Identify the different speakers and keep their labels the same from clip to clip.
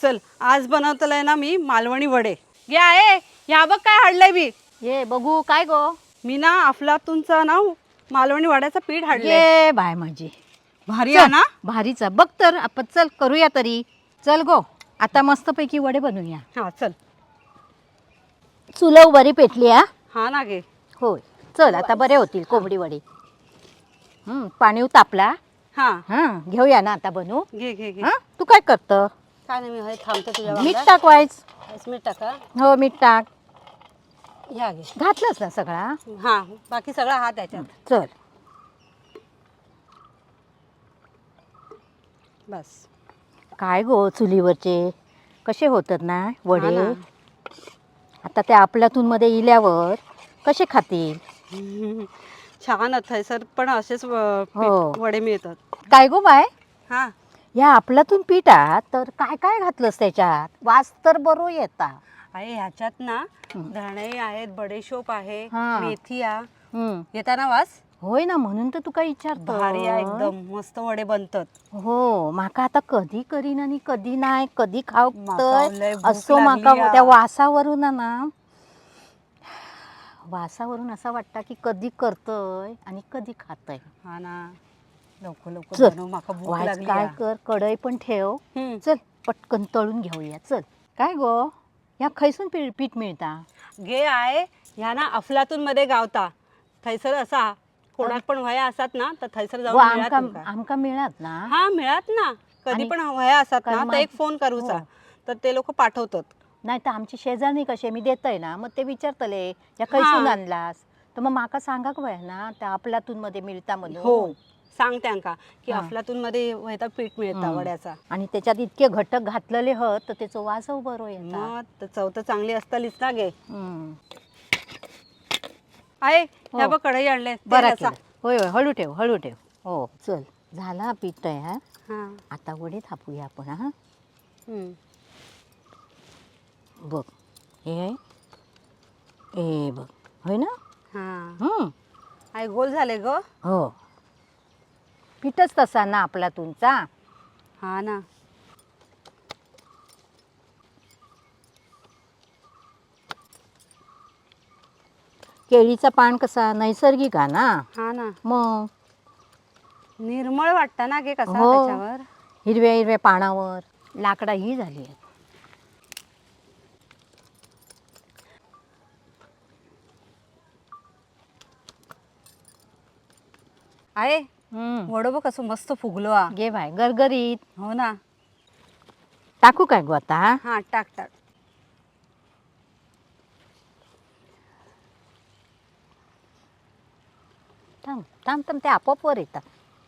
Speaker 1: चल आज बनवतलंय ना मी मालवणी वडे. घे आहे ह्या बघ काय हाडलंय मी.
Speaker 2: ये बघू काय गो.
Speaker 1: मी ना अफलातूनचा ना मालवणी वड्याचं पीठ हाडलंय.
Speaker 2: ये बाय माझी
Speaker 1: भारी आहे ना.
Speaker 2: भारीचा बघ तर आपण चल करूया तरी. चल गो आता मस्तपैकी वडे बनवूया.
Speaker 1: हा चल.
Speaker 2: चुलव बरी पेटली हा.
Speaker 1: हा ना गे.
Speaker 2: होय चल आता बरे होतील कोंबडी वडे. पाणी तापला.
Speaker 1: हा
Speaker 2: घेऊया ना आता बनवू.
Speaker 1: घे घे घे.
Speaker 2: तू काय करतं.
Speaker 1: काय नाही मी थांबते तुझ्या
Speaker 2: मीठ टाकवायच.
Speaker 1: मीठ टाका.
Speaker 2: हो मीठ टाक.
Speaker 1: ह्या घे.
Speaker 2: घातलंच ना सगळा.
Speaker 1: हा बाकी सगळा हात त्याच्यात.
Speaker 2: चल
Speaker 1: बस.
Speaker 2: काय गो चुलीवरचे कसे होतात ना
Speaker 1: हा
Speaker 2: वडे.
Speaker 1: ना.
Speaker 2: आता त्या आपल्यातून मध्ये इल्यावर कसे खातील.
Speaker 1: छान थैसर पण असेच
Speaker 2: हो.
Speaker 1: वडे मिळतात.
Speaker 2: काय गो बाय
Speaker 1: हा
Speaker 2: या आपल्यातून पिठात तर काय काय घातलंस त्याच्यात. वास तर बरो येता.
Speaker 1: आहे ह्याच्यात ना धणे आहेत, बडेशोप आहे,
Speaker 2: हा.
Speaker 1: मेथी आहे. येता ना वास.
Speaker 2: होय ना म्हणून तर तुका विचारतो.
Speaker 1: भारी आहे एकदम मस्त वडे बनतात.
Speaker 2: हो माका आता कधी करीन आणि कधी नाही कधी खाऊ
Speaker 1: माका लय भूक
Speaker 2: असो
Speaker 1: लागली
Speaker 2: माका
Speaker 1: या.
Speaker 2: त्या वासावरून ना वासावरून असं वाटतं की कधी करतय आणि कधी खातय.
Speaker 1: हा ना लवकर लवकर
Speaker 2: चल.
Speaker 1: बनव माका भूक
Speaker 2: वाज
Speaker 1: लागली
Speaker 2: काय
Speaker 1: या.
Speaker 2: कर कढई पण ठेव. चल पटकन तळून घेऊया. चल काय गो या खैसून पीठ मिळता.
Speaker 1: घे आहे ह्या ना अफलातून मध्ये गावता. थैसर असा कोणाक पण वया असतात ना तर थैसर जाऊन मिळत तुमका.
Speaker 2: आमका मिळत ना.
Speaker 1: हा मिळत ना. कधी
Speaker 2: आणि
Speaker 1: पण वया असतात ना
Speaker 2: कारण
Speaker 1: तर एक फोन करूचा तर ते लोक पाठवतात.
Speaker 2: नाही तर आमची शेजारणी कसे मी देतय ना मग ते विचारतले या खैसून आणलास तर मग माका सांगा वय ना त्या आपल्यातून मध्ये मिळता म्हणून.
Speaker 1: हो सांग त्यांका की अफलातून मध्ये वयता पीठ मिळता वड्याचा.
Speaker 2: आणि त्याच्यात इतके घटक घातलेले हत तर त्याचं वासव बरो येतात.
Speaker 1: मग चव तर चांगली असतालीच ना गे. आहे ह्या बघ कढई आणले
Speaker 2: बरं केलं. होय होय हळू ठेव हळू ठेव. हो चल झाला पीठ तयार.
Speaker 1: हा
Speaker 2: आता वडे थापूया आपण. हा बघ हे आहे. ए बघ होय ना.
Speaker 1: हा आहे गोल झाले ग.
Speaker 2: हो पीठच तसा ना आपल्यातूनचा.
Speaker 1: हा ना.
Speaker 2: केळीचा पान कसा नैसर्गिक आहे ना.
Speaker 1: हा ना
Speaker 2: मग
Speaker 1: निर्मळ वाटतं ना गे कसा
Speaker 2: हो.
Speaker 1: त्याच्यावर.
Speaker 2: हिरव्या हिरव्या पानावर लाकडा ही झाली आहेत.
Speaker 1: आहे वडो बघ कसं मस्त फुगलो हा.
Speaker 2: घे बाय गरगरीत.
Speaker 1: हो ना.
Speaker 2: टाकू काय गो आता.
Speaker 1: हा टाक टाक.
Speaker 2: थांब थांब थांब ते आपोआप वर येतात.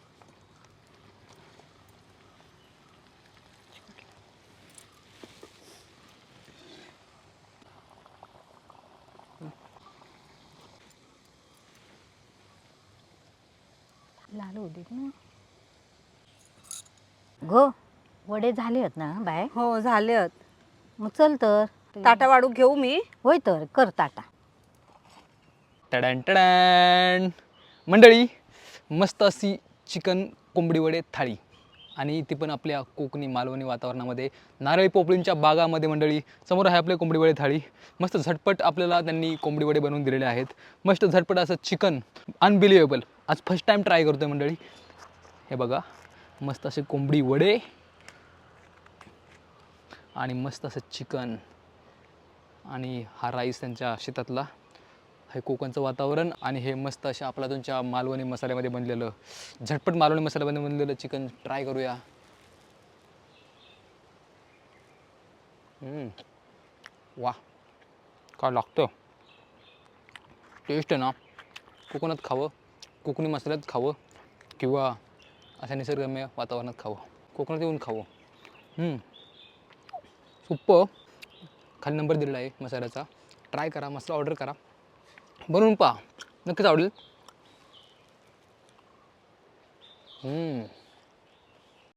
Speaker 2: लाल होऊ देत ना. गो वडे झाले आहेत ना बाय.
Speaker 1: हो झाले आहेत.
Speaker 2: मग चल तर
Speaker 1: ताटा वाढू घेऊ मी.
Speaker 2: होय तर कर ताटा.
Speaker 3: टडॅन टडॅन मंडळी मस्त अशी चिकन कोंबडी वडे थाळी आणि ती पण आपल्या कोकणी मालवणी वातावरणामध्ये नारळी पोपळींच्या बागामध्ये. मंडळी समोर आहे आपले कोंबडी वडे थाळी. मस्त झटपट आपल्याला त्यांनी कोंबडी वडे बनवून दिलेले आहेत. मस्त झटपट असं चिकन अनबिलिव्हेबल. आज फर्स्ट टाईम ट्राय करतो आहे मंडळी. हे बघा मस्त असे कोंबडी वडे आणि मस्त असं चिकन आणि हा राईस त्यांच्या शेतातला. हे कोकणचं वातावरण आणि हे मस्त अशा आपला तुमच्या मालवणी मसाल्यामध्ये बनलेलं झटपट मालवणी मसाल्यामध्ये बनलेलं चिकन ट्राय करूया. वा काय लागतं. टेस्ट आहे ना. कोकणात खावं, कोकणी मसाल्यात खावं किंवा अशा निसर्गरम्य वातावरणात खावं, कोकणात येऊन खावं. सुप्प. खाली नंबर दिलेला आहे मसाल्याचा. ट्राय करा, मसाला ऑर्डर करा, बनवून पहा, नक्कीच आवडेल.